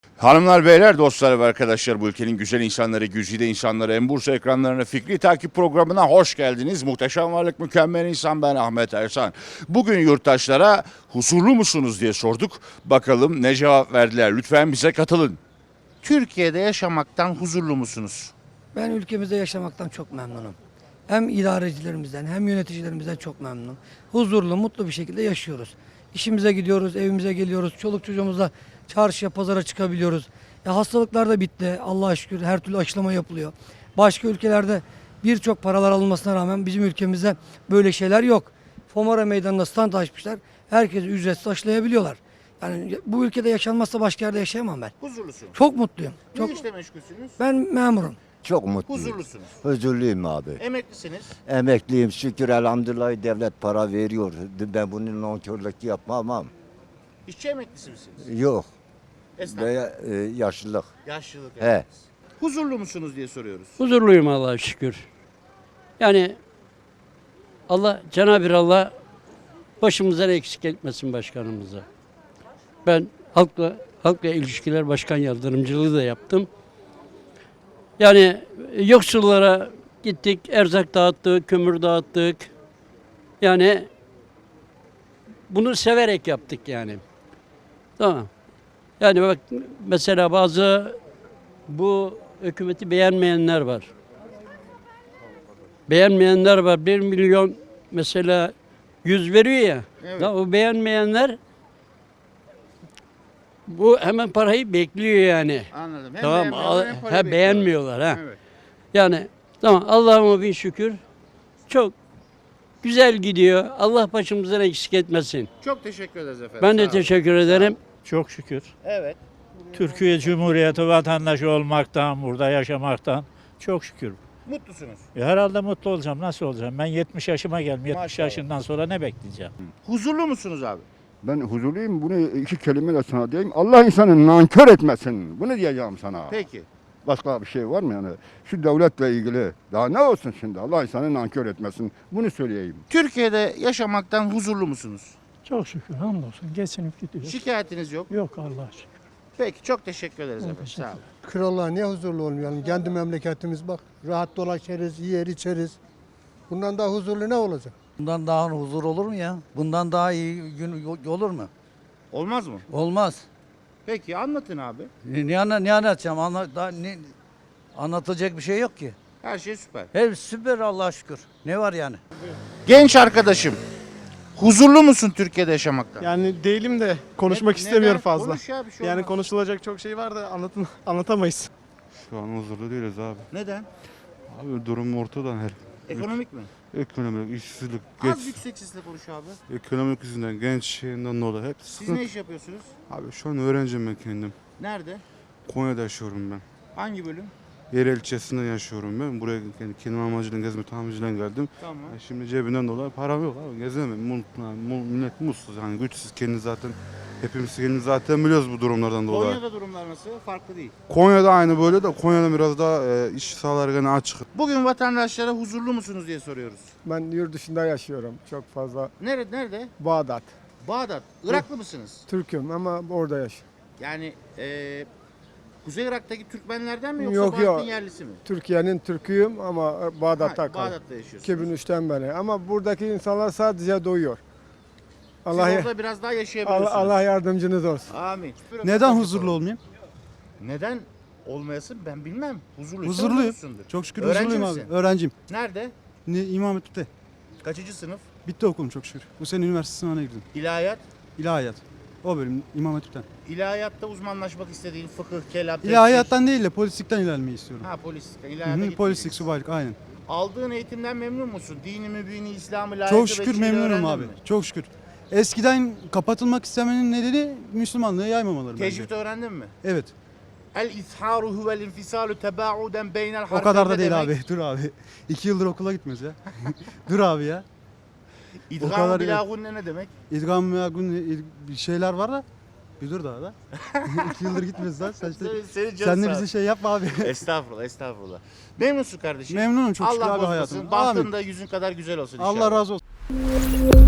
Hanımlar, beyler, dostlar ve arkadaşlar, bu ülkenin güzel insanları, güzide insanları, en Bursa ekranlarına fikri takip programına hoş geldiniz. Muhteşem varlık, mükemmel insan, ben Ahmet Ersan. Bugün yurttaşlara huzurlu musunuz diye sorduk. Bakalım ne cevap verdiler. Lütfen bize katılın. Türkiye'de yaşamaktan huzurlu musunuz? Ben ülkemizde yaşamaktan çok memnunum. Hem idarecilerimizden hem yöneticilerimizden çok memnunum. Huzurlu, mutlu bir şekilde yaşıyoruz. İşimize gidiyoruz, evimize geliyoruz. Çoluk çocuğumuzla çarşıya, pazara çıkabiliyoruz. Hastalıklar da bitti. Allah'a şükür her türlü aşılama yapılıyor. Başka ülkelerde birçok paralar alınmasına rağmen bizim ülkemizde böyle şeyler yok. Fomara meydanına stand açmışlar. Herkesi ücretsiz aşılayabiliyorlar. Yani bu ülkede yaşanmazsa başka yerde yaşayamam ben. Huzurlusunuz. Çok mutluyum. Ne işle meşgulsünüz? Ben memurum. Çok mutluyum. Huzurlusunuz. Huzurluyum abi. Emeklisiniz. Emekliyim şükür elhamdülillah devlet para veriyor. Ben bunun nankörlük yapmam. İşçi emeklisi misiniz? Yok. Esnaf. Veya yaşlılık. Yaşlılık He. emeklisi. Huzurlu musunuz diye soruyoruz. Huzurluyum Allah'a şükür. Yani Cenab-ı Allah başımızdan eksik etmesin başkanımıza. Ben halkla ilişkiler başkan yardımcılığı da yaptım. Yani yoksullara gittik, erzak dağıttık, kömür dağıttık. Yani bunu severek yaptık yani. Tamam. Yani bak mesela bazı bu hükümeti beğenmeyenler var. Beğenmeyenler var. 1 milyon mesela 100 veriyor ya. Evet. Da o beğenmeyenler bu hemen parayı bekliyor yani. Anladım. Hem Tamam. beğenmiyorlar, hem para bekliyorlar. Beğenmiyorlar ha. Evet. Yani tamam, Allah'ıma bin şükür. Çok güzel gidiyor. Allah başımızdan eksik etmesin. Çok teşekkür ederiz efendim. Ben Sağ de olun. teşekkür ederim. Çok şükür. Evet. Türkiye Cumhuriyeti vatandaşı olmaktan, burada yaşamaktan çok şükür. Mutlusunuz. Herhalde mutlu olacağım. Nasıl olacağım? Ben 70 yaşıma geldim. 70 Maşallah. yaşından sonra ne bekleyeceğim? Huzurlu musunuz abi? Ben huzurluyum. Bunu iki kelimeyle sana diyeyim. Allah insanı nankör etmesin. Bunu diyeceğim sana. Peki. Başka bir şey var mı yani? Şu devletle ilgili. Daha ne olsun şimdi? Allah insanı nankör etmesin. Bunu söyleyeyim. Türkiye'de yaşamaktan huzurlu musunuz? Çok şükür hamdolsun geçinip gidiyor. Şikayetiniz yok. Yok Allah'a şükür. Peki, çok teşekkür ederiz efendim. Sağ olun. Krallığa niye huzurlu olmayalım? Kendi memleketimiz bak. Rahat dolaşırız, yer içeriz. Bundan daha huzurlu ne olacak? Bundan daha huzur olur mu ya? Bundan daha iyi gün olur mu? Olmaz mı? Olmaz. Peki, anlatın abi. Ne anlatacağım? Anlatılacak bir şey yok ki. Her şey süper. Her süper Allah'a şükür. Ne var yani? Genç arkadaşım, huzurlu musun Türkiye'de yaşamaktan? Yani değilim de konuşmak Neden? istemiyorum fazla. Konuş ya, bir şey Yani olmaz. konuşulacak çok şey var da anlatamayız. Şu an huzurlu değiliz abi. Neden? Abi durum ortada her. Ekonomik mi? Ekonomik, işsizlik, Az yüksek sesle konuş abi. ekonomik yüzünden, genç şeyinden dolayı hep Siz sıkıntı. ne iş yapıyorsunuz? Abi şu an öğrenciyim ben kendim. Nerede? Konya'da yaşıyorum ben. Hangi bölüm? Yerel ilçesinde yaşıyorum ben. Buraya kendim amacıyla gezme tamirciyle geldim. Tamam. Şimdi cebinden dolayı param yok abi. Gezemem. Millet mutsuz yani güçsüz. Hepimiz kendimiz zaten biliyoruz bu durumlardan dolayı. Konya'da durumlar nasıl? Farklı değil. Konya'da aynı böyle de Konya'da biraz daha iş sahaları gene açık. Bugün vatandaşlara huzurlu musunuz diye soruyoruz. Ben yurt dışında yaşıyorum. Çok fazla. Nerede? Bağdat. Bağdat. Iraklı mısınız? Türk'üm ama orada yaşıyorum. Yani Kuzey Irak'taki Türkmenlerden mi yoksa Yok, Bağdat'ın yok. yerlisi mi? Türkiye'nin Türk'üyüm ama Bağdat'ta kaldım. Bağdat'ta yaşıyorsunuz. 2003'ten beri. Ama buradaki insanlar sadece doyuyor. Siz orada biraz daha yaşayabiliyorsunuz. Allah yardımcınız olsun. Amin. Neden huzurlu olmayayım? Neden olmayasın ben bilmem. Huzurluyum. Olursundur. Çok şükür Öğrenci huzurluyum misin? abi. Öğrenciyim. Nerede? İmam Hatip'te. Kaçıncı sınıf? Bitti okulum çok şükür. Bu sene üniversite sınavına girdim. İlahiyat. İlahiyat. O bölüm İmam Hatip'ten. İlahiyatta uzmanlaşmak istediğin fıkıh, kelam, tefsir. İlahiyattan değil de polislikten ilerlemeyi istiyorum. Ha, polislik. Hı İlahiyata hı, gitmeyeceksin. polislik, subaylık aynen. Aldığın eğitimden memnun musun? Dini, mübini, İslam'ı, layıkı Çok şükür memnunum abi. Çok şükür. Eskiden kapatılmak istemenin nedeni Müslümanlığı yaymamaları bence. Tecvid öğrendin mi? Evet. El-izharu huvel infisalu tebauden beynel O kadar da harfeyne değil demek. abi. Dur abi. 2 yıldır okula gitmiyoruz ya. Dur abi ya. O İdgam kadar bila gunne ne demek? İdgam ya bir şeyler var da. Bir dur daha da. 2 yıldır gitmiyoruz lan. Senin Sen de bize şey yapma abi. Estağfurullah. Memnunsun kardeşim. Memnunum çok şükür Allah abi bozmasın. hayatım. Bahtın Amin. da yüzün kadar güzel olsun inşallah. Allah razı olsun.